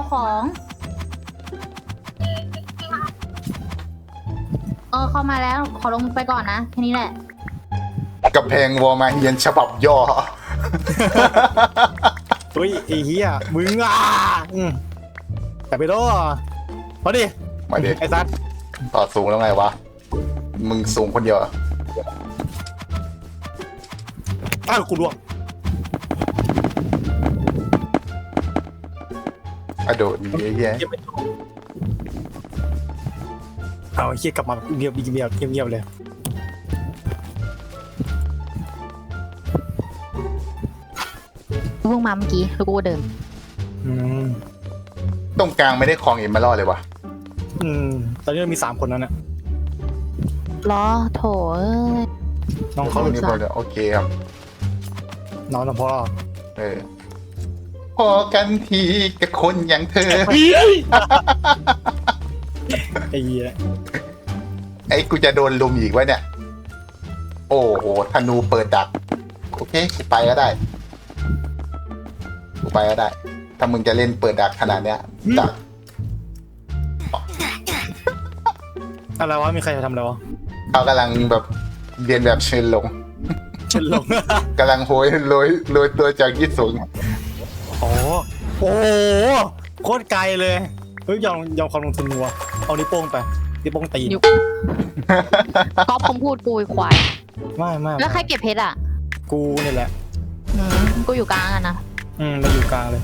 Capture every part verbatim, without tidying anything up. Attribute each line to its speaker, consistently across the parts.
Speaker 1: ของเออเข้ามาแล้วขอลงไปก่อนนะแค่นี้แหละ
Speaker 2: กำแพงวอลมาเฮียนฉบับย่อ
Speaker 3: เฮ้ยไอ้เหี้ยมึงอ่ะอืมแต่ไปโดมาดิ
Speaker 2: มาดิ
Speaker 3: ไอ้ซัด
Speaker 2: ต่อสูงแล้วไงวะ มึงสูงคนเดียวเหรอ
Speaker 3: อ้าวกูล่วง
Speaker 2: อะโดดดีไอ้เหี้ย
Speaker 3: เหี้ยไม่ถูกเอาไอ้เหี้ยกลับมาเงียบเงียบเงียบเงียบเลย
Speaker 1: เพิ่งมาเมื่อกี้แล้วกูก็เดิน
Speaker 3: อืม
Speaker 2: ตรงกลางไม่ได้คลองเอ็มมาล่อเลยวะ
Speaker 3: อืมตอนนี้เรามีสามคนนั้นน่ะ
Speaker 1: ล้อโถเอ้ย
Speaker 3: น้องเขา
Speaker 2: นี่พอแล้วโอเคครับ
Speaker 3: น้องน้องพ่อ
Speaker 2: เออ พอกันทีกับคนอย่างเธอ
Speaker 3: ไอ้เหี้ย
Speaker 2: ไอ้กูจะโดนลุมอีกวะเนี่ย โอ้โหธนูเปิดดัก โอเคกูไปก็ได้ กูไปก็ได้ ถ้ามึงจะเล่นเปิดดักขนาดเนี้ยดัก
Speaker 3: อะไรวะมีใครจะทำอะไรวะ
Speaker 2: เขากำลังแบบเรียนแบบเชิญลง
Speaker 3: เชิญลง
Speaker 2: กำลังโหยโรยโรยตัวจากยี่สูง
Speaker 3: โอ้โหโคตรไกลเลยเฮ้ยยอมยอมความลงทุนวัวเอานิ้วโป้งไปนิ้วโป้งตีน
Speaker 1: นิ้ว ก๊อฟผมพูดกูไอ้ควาย
Speaker 3: ไม่ไม่
Speaker 1: แล้วใครเก็บเพชรอ่ะ
Speaker 3: กูนี่แหละ
Speaker 1: อืมกูอยู่กลางอะนะ
Speaker 3: อืมเราอยู่กลางเลย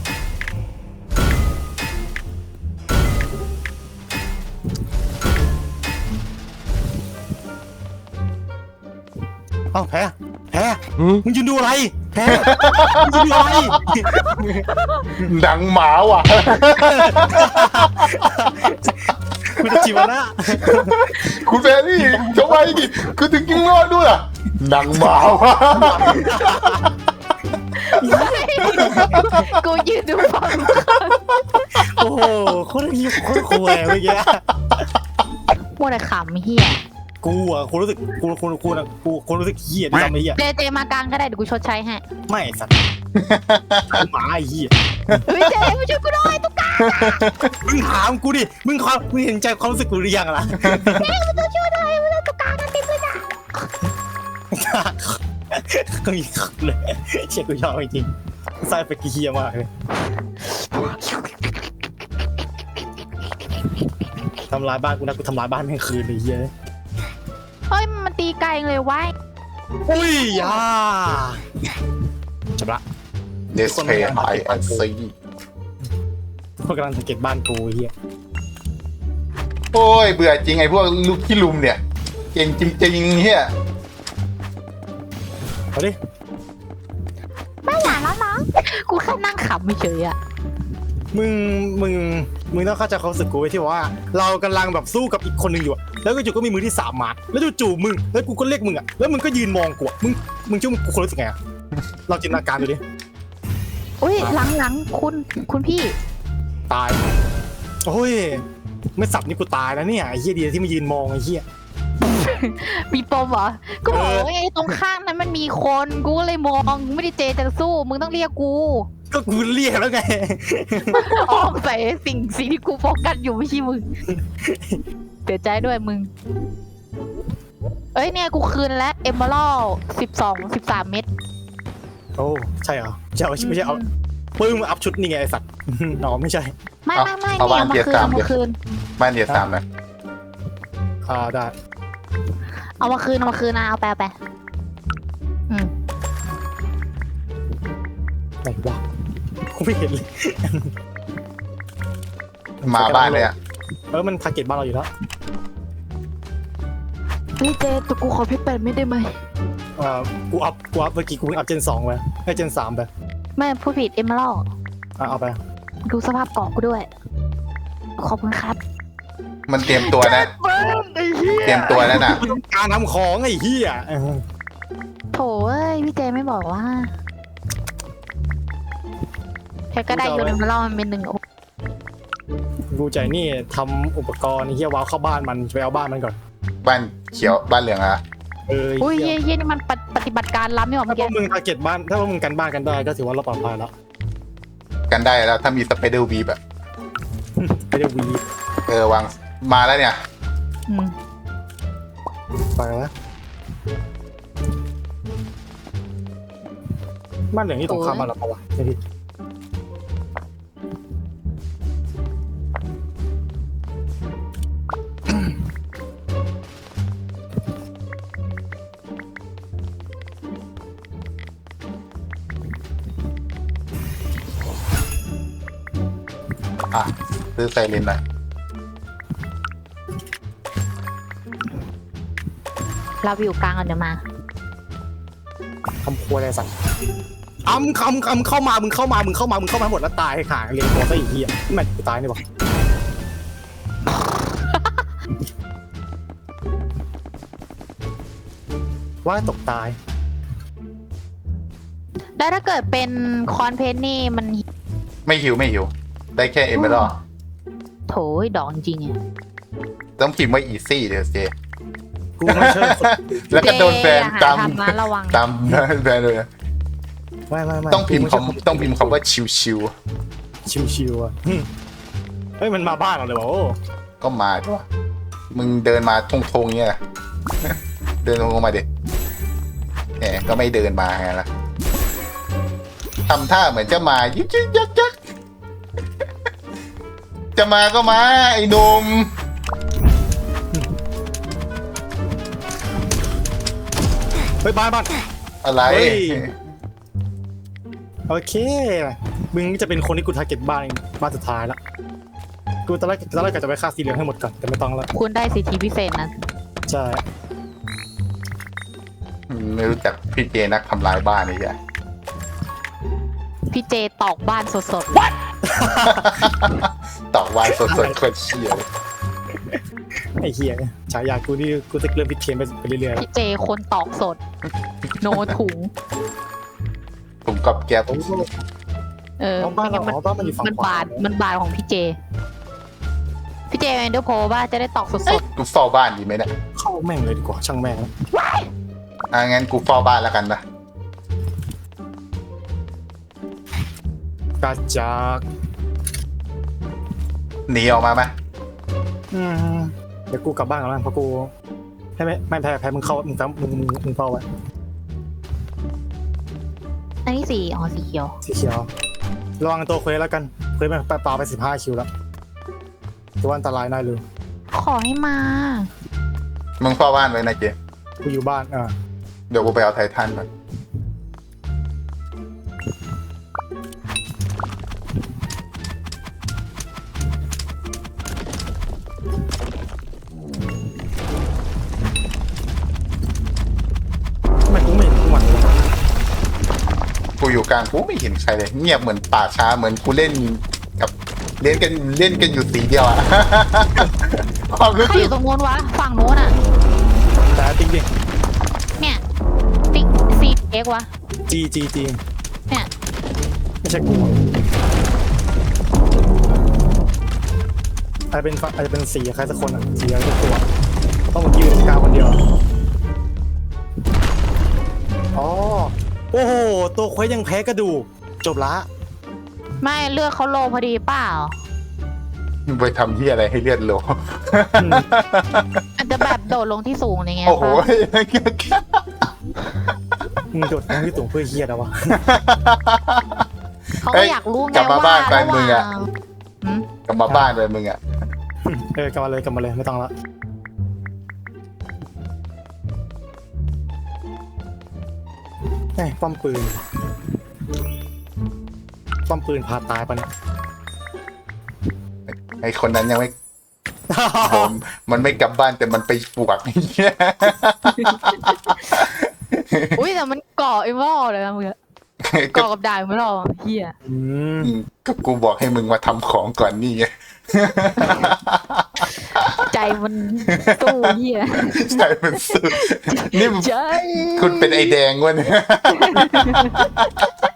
Speaker 3: เอ้าแพ้แพ้มึงยืนดูอะไรแพ้มึงยืนดูอะไร
Speaker 2: หนังหมาว่ะ
Speaker 3: คุณจะจีบนะ
Speaker 2: คุณแฟรี่ทำไมดิคุณถึงยิงรอดด้วยอ่ะหนังหมาว่ะ
Speaker 1: กูยืนดูฟัง
Speaker 3: โอ้โหโคตรยิ้มโคตรคุยเมื่อกี้
Speaker 1: มัวแต่ขำเฮีย
Speaker 3: กูอ่ะกูรู้สึกกูกูกูนะกูกูรู้สึกเหี้ยที่ทำไอ้เหี้ย
Speaker 1: เจเจมากลางก็ได้เดี๋ยวกูชดใช้ให้
Speaker 3: ไม่สัตว์หมาไอ้เหี้ย
Speaker 1: เฮ้ยเจมาช่วยกูหน่อยตุ๊กตา
Speaker 3: มึงถามกูดิมึงความมึงเห็นใจความรู้สึกกูหรือยังล่ะ
Speaker 1: เจมาช่วยหน่อยมาตุ๊กตากันติดเลยนะ
Speaker 3: ก็มีขับเลยเชี่ยกูชอบจริงๆไส้ไปกี่เหี้ยมากเลยทำลายบ้านกูนะกูทำลายบ้านแม่งคืนเลยเหี้ย
Speaker 1: เฮ้ยมันตีไกลเลยไว้
Speaker 3: อุ้ยอ่าจบละ
Speaker 2: Display I and C
Speaker 3: พวกกำลังสังเกตบ้านกูเหี้ย
Speaker 2: โอ้ยเบื่อจริงไอ้พวกลูกขี้ลุมเนี่ย เก่งจริงๆเฮีย
Speaker 3: เอาดิ
Speaker 1: ไม่หลานแล้วน้องกูแค่นั่งขำเฉยๆอะ
Speaker 3: มึงมึงมึงต้องเข้าใจความรู้สึกกูไว้ที่ว่า เรากำลังแบบสู้กับอีกคนหนึ่งอยู่อะแล้วก็จู่ก็มีมือที่สามมาแล้วจู่ๆมึงแล้วกูก็เรียกมึงอ่ะแล้วมึงก็ยืนมองกูอะมึงมึงชื่อมึงกูคนรู้สึกไงอะเราจินตนาการดูดิ
Speaker 1: อุ้ยหลังหลังคุณคุณพี่
Speaker 3: ตายโอ้ยไม่สับนี่กูตายแล้วเนี่ยไอ้เหี้ยดีที่มายืนมองไอ้เหี้ย
Speaker 1: มีปมเหรอก็บอก
Speaker 3: เออ
Speaker 1: ว่าไอ้ตรงข้างนั้นมันมีคนกูก็เลยมองไม่ได้เจจะสู้มึงต้องเรียกกู
Speaker 3: ก็กูเรียกแล้วไง
Speaker 1: อ้อมใส่สิ่งสิ่งที่กูโฟกัสอยู่ไม่ใช่มึงเสียใจด้วยมึงเอ้ยเนี่ยกูคืนแล้วเอมเบอรัลสิบสองสิบสามเม็ด
Speaker 3: โอ้ใช่เหรอใช่ไม่ใช่เอาปึ้งมาอัพชุดนี่ไงไอ้สัตว์ อ๋อไม่ใช่
Speaker 1: ไม่ไม่ไม่เนี่ยเอามาคืนเอามาคืน
Speaker 2: บ้านเดียสามนะ
Speaker 3: อ่าได้
Speaker 1: เอามาคืนเอามาคืนนะเอาไปเอาไปอืม
Speaker 3: ไหนวะกูไม่เห็นเลย
Speaker 2: มาบ้านเลยอ่ะ
Speaker 3: เออมันทาร์เก็ตบ้านเราอยู่แล้ว
Speaker 1: พี่เจตัวกูขอพี่เป็ดไม่ได้ไหม
Speaker 3: อ่ากูอัพกูอัพเมื่อกี้กูเพิ่งอัพเจนสองไปให้เจนสามไป
Speaker 1: ไม่พูดผิดเอมเบอรัล
Speaker 3: อ่ะเอาไป
Speaker 1: ดูสภาพเกาะกูด้วยขอบคุณครับ
Speaker 2: มันเตรียมตัวนะ
Speaker 3: ไอ้เหี้ย
Speaker 2: เตรียมตัวแล้วน่ะ
Speaker 3: การทำของไอ้เหี้ยเออ
Speaker 1: โถเอ้ยพี่เจไม่บอกว่าแค่ก็ได้อยู่ในมาล่อมันเป็นหนึ่ง
Speaker 3: กูใจนี่ทำอุปกรณ์ไอ้เหี้ยวาวเข้าบ้านมันไปเอาบ้านมันก่อน
Speaker 2: บ้านเขียวบ้านเหลืองอะ
Speaker 3: เออ
Speaker 1: อุ้ย
Speaker 3: เหี้
Speaker 1: เย่
Speaker 3: ย
Speaker 1: เย่นี่มันปฏิบัติการล้ำนี่หว่า
Speaker 3: ถ้า
Speaker 1: เมื่อ
Speaker 3: พว
Speaker 1: กี้
Speaker 3: กมึงทาร์เก็ตบ้านถ้าพวกมึงกันบ้านกันได้ก็ถือว่าเราปลอดภัยแล้ว
Speaker 2: กันได้แล้วถ้ามีสไปเดอร์วีแบบ
Speaker 3: เไม่ได้วี
Speaker 2: เออวางมาแล้วเนี่ย
Speaker 1: อืม
Speaker 3: ไปแล้วบ้านเหลืองนี่ตรงข้ามมาแล้วปะวะไม่ผิด
Speaker 2: อ่ะซื้อไซเรนหน่อย
Speaker 1: เราอยู่กลางกันเดี๋ยวมา
Speaker 3: คำครัวอะไรสั่งอ้ำคำคำเข้ามามึงเข้ามามึงเข้ามามึงเข้ามาหมดแล้วตายขาเรียนตัวซะอีกทีอ่ะแม่งกูตายนี่บอกว่าตกตาย
Speaker 1: แล้วถ้าเกิดเป็นคอนเพนนี่มัน
Speaker 2: ไม่หิวไม่หิว ได้แค่เอเมอรัล
Speaker 1: โถยดอกจริงๆอะ
Speaker 2: ต้องพิมพ์ว่าอีซี่เดี๋ยวเจ
Speaker 3: กูไม่เชื่อ
Speaker 2: แล้วก็โดนแบน
Speaker 1: เจอย่
Speaker 2: ตาม
Speaker 1: หทำนะระวัง
Speaker 2: ตามแบนเลย
Speaker 3: ไม่ไม่ไม่
Speaker 2: ต้องพิมพ์คำต้องพิมพ์คำว่าชิว
Speaker 3: ชิวชิวๆอ่ะหึเฮ้ยมันมาบ้านเราเลยวะโอ้
Speaker 2: ๆก็มาด้วยมึงเดินมาทงทงๆเงี้ย เดินลงมาดิแหมก็ไม่เดินมาไงล่ะทำท่าเหมือนจะมายึกยึกยักยักจะมาก็มาไอ้หนุ่ม
Speaker 3: เฮ้ยบ้านบ้าน
Speaker 2: อะไร
Speaker 3: เฮ้ย โอเคมึงจะเป็นคนที่กูทาร์เก็ตบ้านเองบ้านสุดท้ายละกูตอนแรกตอนแรกกะจะไปฆ่าสีเหลืองให้หมดก่อนแต่ไม่ต้องแล้ว
Speaker 1: คุณได้สิทธิพิเศษนะ
Speaker 3: ใช่
Speaker 2: ไม่รู้จักพี่เจนักทำลายบ้านนี่ใช่
Speaker 1: พี่เจตอกบ้านสด
Speaker 2: ตอกวานสดๆคนเชี่ยว
Speaker 3: ไอ้เหี้ยฉายากูนี่กูจะเริ่มผิดเทียนไปเรื่อยๆ
Speaker 1: ๆ
Speaker 3: แล้ว
Speaker 1: พี่เจคนตอกสด โนถุง
Speaker 2: ผมกับแก๊บ
Speaker 3: โอ้โห
Speaker 1: เออ
Speaker 3: อ๋อบ้านเรา
Speaker 1: มั
Speaker 3: อ๋อบ้านมันอยู่ฝั่ง
Speaker 1: มัน
Speaker 3: ขวา
Speaker 1: บาดมันบาดของพี่เจ พี่เจเอนเดอร์โพว่าจะได้ตอกส
Speaker 2: เอ้ย
Speaker 1: ด
Speaker 2: กูเฝ้าบ้านดีไหมเนี่ย
Speaker 3: เข้าแม่งเลยดีกว่าช่างแม่ง
Speaker 2: อ่ะงั้นกูเฝ้าบ้านแล้วกันนะ
Speaker 3: กาจาก
Speaker 2: หนีออกมาไหม
Speaker 3: อืมเดี๋ยวกูกลับบ้านก่อนแล้วกันเพราะกูให้ไม่ไม่แพ้แพ้มึงเข้ามึงซ้ำมึงมึงมึงเฝ้าไว้
Speaker 1: ๆอันนี้สีอ๋อสีเขียว
Speaker 3: สีเขียวระวังตัวเควสแล้วกันเควสมันไปปาไปสิบห้าคิวแล้วตัวอันตรายน่าเลย
Speaker 1: ขอให้มา
Speaker 2: มึงเฝ้าบ้านไว้นะเจ
Speaker 3: กูอยู่บ้านอ่า
Speaker 2: เดี๋ยวกูไปเอาไททันก่อน
Speaker 3: ทำไมกูไม่เห็นกูหวั่นเลย
Speaker 2: กูอยู่กลางกูไม่เห็นใครเลย เงียบเหมือนป่าช้าเหมือนกูเล่นกับเล่นกันเล่นกันอยู่สีเดียวอะ ความรู้
Speaker 1: ใคร
Speaker 2: สึ
Speaker 1: อก ยู่ตรงโน้นวะ ฝั่งโน้นอ่ะ
Speaker 3: แต่ติ๊กดิ
Speaker 1: เนี่ยติ๊กซีเอ็กวะ
Speaker 3: จีจีจี
Speaker 1: เนี่ย
Speaker 3: ไม่ใช่กูอาจจะเป็นอาจจะเป็นสีใครสักคนอ่ะสีอะไรสักตัวต้องมายืนกลางคนเดียวอ๋อโอ้โหตัวเควสยังแพ้กระดูกจบละ
Speaker 1: ไม่เลือกเขาโลพอดีเปล่า
Speaker 2: ไปทำที่อะไรให้เลือดโล
Speaker 1: อาจจะแบบโดดลงที่สูงอะไรเงี้ย
Speaker 2: โอ้โห
Speaker 1: ปะ
Speaker 3: มึงโดดน้ำที่สูงเพื่อเฮียแล้ววะ
Speaker 1: เขาก็อยากรู้ไง
Speaker 2: กลับมา
Speaker 1: ว่า
Speaker 2: บ้านไป
Speaker 1: ระห
Speaker 2: มึง
Speaker 1: ว่า
Speaker 2: อะ
Speaker 1: งหืม
Speaker 2: กลับมาบ้านเลยมึงอะ
Speaker 3: เออกลับมาเลยกลับมาเลยไม่ต้องละเอ้ยป้อมปืนป้อมปืนพาตายปะเนี่ย
Speaker 2: ไอคนนั้นยังไม่ผมมันไม่กลับบ้านแต่มันไปปวก
Speaker 1: อุ้ยแต่มันก่อไอ้หม้อเลยนะมึงอะก่อกับดาบไม่หรอกเฮีย
Speaker 3: อืม
Speaker 2: ก็กูบอกให้มึงมาทำของก่อนนี่ไง
Speaker 1: ใจมันสู้เฮีย
Speaker 2: ใช่มันสุดนี่มึง
Speaker 1: ใจ
Speaker 2: คุณเป็นไอแดงวะเนี่ย